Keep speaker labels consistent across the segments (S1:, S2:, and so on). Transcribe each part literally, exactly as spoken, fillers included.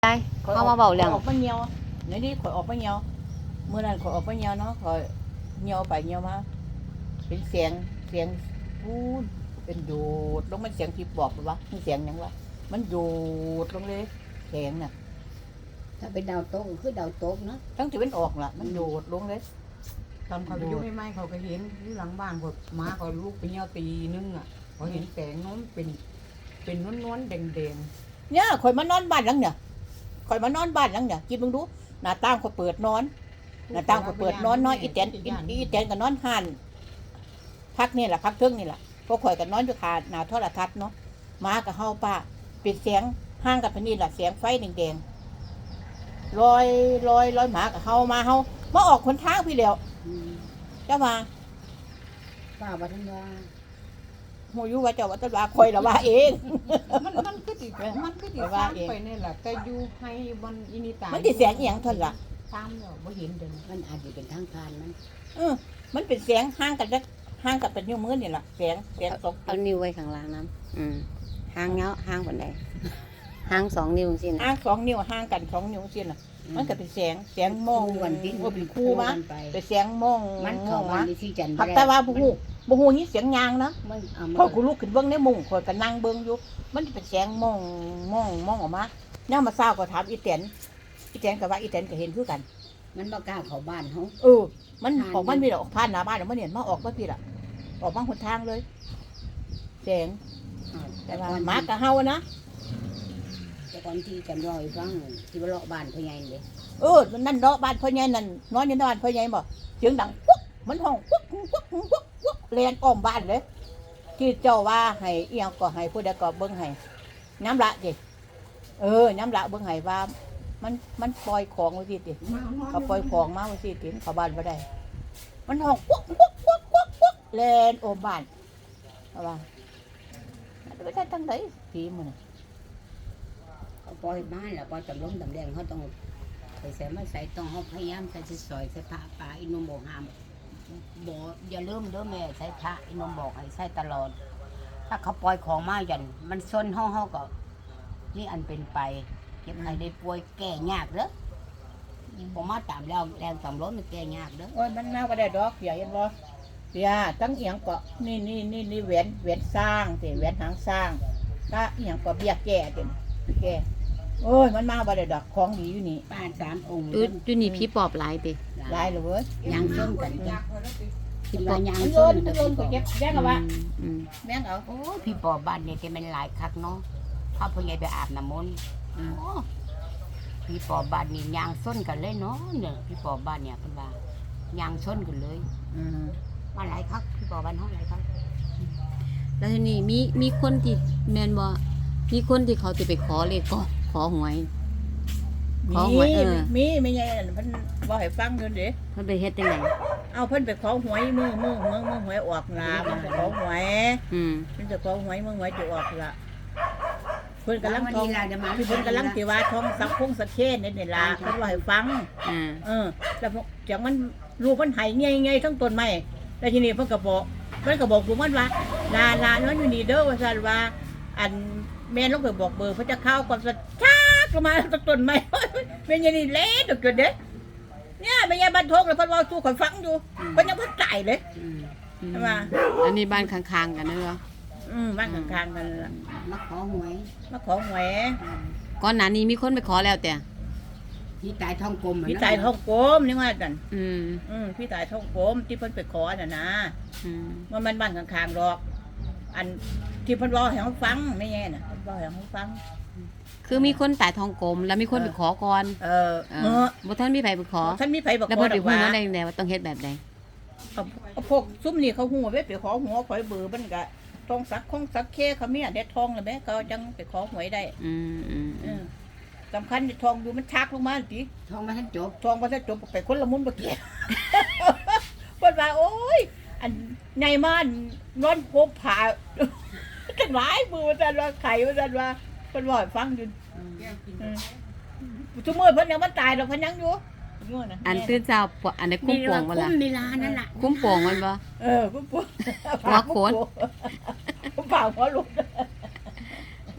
S1: ได้เข้ามาเบาเรื่อง
S2: ออกมาเหี่ยวในนี้ข่อยออกมาเหี่ยวเมื่อนั้นข่อยออกมาเหี่ยวเนาะข่อยเหี่ยวไปเหี่ยวมาเป็นเสียงเสียงพูดเป็นโดดลงมันเสียงที่บอกวะมันเสียงหยังวะมันโดดลงเลยเสียงน่ะ
S3: ถ้าเป็นดาวโต๊ะก็คือดาวโต๊ะเนาะ
S2: ทั้งที่มันออกล่ะมันโดดลงเลย
S4: ตอนเขาไปยุ่งไม่ไม่เขาก็เห็นอยู่หลังบ้านเขามาเขาลูกไปเหี่ยวตีนึงอ่ะเขาเห็นแสงน้นเป็นเป็นนวลนวลๆแดงแดง
S2: เนี่ยข่อยมานอนบ้านหลังเนี่ยข่อยมานอนบ้านหลังเนี่ยคิดมึงดูหน้าต่างข่อยเปิดนอน
S4: ๆ
S2: หน้าต่างข่อยเปิดนอนนอนอีแตนอีอีแตนก็นอนห่านพักนี่แหละพักเทิงนี่แหละพวกข่อยก็นอนอยู่คาหน้าโทรทัศน์เนาะมากับเฮาป้าเป็นเสียงห้างกับพนี่แหละเสียงไฟแดงๆลอยลอยลอยหมากับเฮามาเฮามาออกคนทางพี่แล้ว
S3: อืม
S2: เจ้ามา
S3: ป้าวัฒนว่า
S2: โหอยู่ว่าเจ้าว่าแตว่าข่อยละว่าเอง
S4: มันมันคือติมันคือติ
S2: แต่ว่า
S4: ตาม
S2: เอง
S4: ไปนี่แหละแต่อยู่ให้บนอินิตา
S2: มั
S4: มัน
S2: สิเสียงอีหยังเท่านั้นล่ะ
S4: ตามแล้วบ่เห็นเดิน
S3: มันอาจจะเป็นทางผ่านมัน
S2: เออมันเป็นเสียงห้างกันจักห้างกับเป็นนิ้วมือนี่แหละเสียงเสียงสอง
S1: เอานิ้วไว้ข้างล่างน้ำอืมห่างเงาห่างปานใดห่างสองนิ้วสินะ
S2: ห้างสองนิ้วห้างกันสองนิ้วสิล่ะมันก็เป็นเสียงเสียงมอง
S3: คู่กันที่
S2: ว่าเป็นคู่มา
S3: กันไป
S2: เป็นเสียงมอง
S3: มัน
S2: ม
S3: เข้า
S2: อง
S3: มา
S2: มา
S3: ในที่จันทร์
S2: ผักแต่ว่าบ่ฮู้บ่ฮู้นี่เสียงยางนะ
S3: มันเอา
S2: พอ
S3: มา
S2: กูลุกขึ้นเบิ่งในมุ้งข่อยก็นั่งเบิ่งอยู่มันเป็นเสียงมองมองมองออกมาย่ามมาเช้าก็ถามอีแตนอีแตนก็ว่าอีแตนก็เห็นคือกัน
S3: มันบ่กล้าเข้าบ้านเฮา
S2: เออ มัน
S3: ผ่าน
S2: ออกมันมีดอกผ่านหน้าบ้านแล้วมันเห็นมาออกมาพี่ล่ะออกมาหนทางเลยเสียง
S3: อ่า
S2: แต่
S3: แต่
S2: ว่า
S3: ก่อน
S2: หมากับเฮานะ
S3: แต่ก่อนที่จันรอยฟังที่ว่าเลาะบ้านพ่อใหญ่เด้
S2: เออนั่นเนาะบ้านพ่อใหญ่นั่นนอนอยู่ในบ้านพ่อใหญ่บ่เสียงดังปุ๊กมันห้องปุ๊กปุ๊กปุ๊กปุ๊กแล่นอ้อมบ้านเลย ที่เจ้าว่าให้เอียงก็ให้ผู้ใดก็เบิ่งให้น้ำละดิเออน้ำละเบิ่งให้ว่า มันมันปล่อยของไว้สิติเขาปล่อยของมาไว้สิติเขาบ้านบ่ได้ มันห้องปุ๊กปุ๊กปุ๊กปุ๊กปุ๊กแล่นอ้อมบ้านเอาว่าไปได้ทั้งไหนผีมันน่ะ
S3: เขาปล่อยบ้านแล้วพอจำลงตำแดงเขาต้องไปใส่มาใส่ต้องเฮาพยายามใส่สิซอยใส่ผ้าป่าอีนมบอกห้ามบ่อย่าลืมเด้อแม่ใส่ผ้าอีนมบอกให้ใส่ตลอด ถ้าเขาปล่อยของมาหยันมันซนเฮาเฮาก็นี่อันเป็นไปเก็บให้ได้ป่วยแก้ยากเด้อบ่มาตามแล้วแรงสำรถมันแก้ยากเด้อ
S2: โอ้ยมันมาบ่ได้ดอกเสียเห็นบ่เสียตั้งเอียงก็นี่นี่นี่นี่แหวนแหวนสร้างสิแหวนหางสร้างถ้าเอียงก็เบี้ยแก่ติแก่โอ้ยมันมาบ่ได้ดอกของดีอยู่นี่
S3: ป้าสามองค์
S1: อยู่อยู่นี่พี่ปอบหลายติ
S2: หลายเลยเว้ย
S3: ยางส้นกันจ้ะที่ว่ายาง
S2: มันโย
S3: ส้
S2: น
S3: น
S2: มัน
S3: กัน
S2: โยนก็เก็บแย่งเอาวะ
S1: อืม
S2: แม่งเอา
S3: โอ้ยพี่ปอบ้านเนี่ยที่มันหลายคักเนาะพ่อพ่อใหญ่ไปอาบน้ำมนต์โอ้พี่ปอบ้านนี่ยางส้นกันเลยเนาะเนี่ยพี่ปอบ้านเนี่ยเพิ่นว่ายางส้นกันเลย
S2: อืม
S3: มาหลายคักพี่ปอบ้านเฮาหลายคัก
S1: แล้วทีนี้มีมีคนที่แม่นบ่มีคนที่เขาจะไปขอเลขก็ขอหวย ขอหวย
S2: มี
S1: เออ
S2: มีไม่ใช่เพิ่นบ่ให้ฟังอยู่เด้
S1: เพิ่นไปเฮ็ดจังได
S2: เอาเพิ่นไปขอหวยมือมือมือมือหวยออกล่ะมันไปขอหวย
S1: อืม
S2: เพิ่นจะขอหวยมือหวยจะออกล่ะเพิ่นกำลัง
S3: วัน
S2: ทอง
S3: นี้ล่ะเดี๋ยวมา
S2: เพิ่นกำลังสิว่าทองสักคงสักเคนนี่นี่ล่ะเพิ่นว่าให้ฟัง
S1: อ่า
S2: เออแล้วพวกจากมันลูกมันไหายเงี้ยๆทั้งต้นไม้แล้วทีนี้เพิ่นก็บอกเพิ่นก็บอกกูมันว่าลาลาน้อยอยู่นี่เด้อว่าซั่นว่า อันแม่นลงไปบอกเบอร์เพิ่นจะเข้าก่อนสักชักลงมาทั้งต้นไม้ แม่นอย่างนี้เละตกจนเด้เนี่ยแม่ยายบันทงแล้วเพิ่นเว้าสู่ข่อยฟังอยู่เพิ่นยังบ่ตายเลย
S3: อืม
S1: อืม
S2: ใช่ป่ะ
S1: อันนี้บ้านข้างๆกันเด้อ
S2: อืมบ้านข้างๆกันล่ะ
S3: มาขอหวย
S2: มาขอหวย
S1: ก่อนหน้านี้มีคนไปขอแล้วแต่
S3: พี่ตายท้องกลมอะ
S2: พี่
S3: นะ
S2: ตายท้องกลมนี่ว่ากัน
S1: อืม
S2: อืมพี่ตายท้องกลมที่เพิ่นไปขอน่ะนะ
S1: อืม
S2: มันมันบ้านข้างๆดอก อันที่เพิ่นบอกให้เฮาฟังไม่แย่น่ะเพิ่นบอกให้เฮาฟัง
S1: คือมีคนตายทองกลมแล้วมีคนไปขอก่อน
S2: เออ
S1: เอ
S2: เอ
S1: อ
S2: อ
S1: บ่ทันมีไผไปขอ
S2: ท่านมีไผบอก
S1: แล้ว
S2: ขอ
S1: เพิ่น
S2: ด
S1: ไป
S2: อก
S1: ฮู้
S2: ว่า
S1: มาได้จังไดว่าต้องเฮ็ดแบบใด
S2: เอาเอาพวกซุ่มนี่เขาฮู้ว่าไปขอหัวข่อยเบอร์มันก็ทองสักคงสักเคเขามีอันได้ทองแล้วแม่เขาจังไปขอหวยได้
S1: อืมอืม
S2: เอ
S1: อืม
S2: อสำคัญที่ทองอยู่มันชักลงมาติ
S3: ท้องมาท่านจบ
S2: ทองบ่ทันจบไปคนละมุนบ่เกี่ยว เพิ่นว่าโอ้ย อันใหญ่มานนอนพบผ่า กันหลายมือว่าซั่นว่าไข่ว่าซั่นว่าเพิ่นว่าให้ฟังอยู่เออทุกมื้อเพิ่นยังมันตายดอกเพิ่นยังอยู่อยู่น่ะ
S1: อันตื่นเช้าปวอันนี้คุ้มโป่งบ่ล่ะ
S3: คุ้มเวลานั่นล่ะ
S1: คุ้มโป่งมันบ่
S2: เออกูปวด
S1: หัวโขน
S2: ผมเปล่าหัวลุก
S1: เอ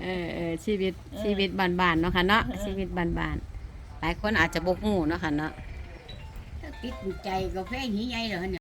S1: เออเออชีวิตชีวิตบ้านๆเนาะค่ะเนาะชีวิตบ้านๆหลายคนอาจจะบ่ฮู้เนาะค่ะเนาะ
S3: ติดใจกาแฟหีใหญ่เหรอเนี่ย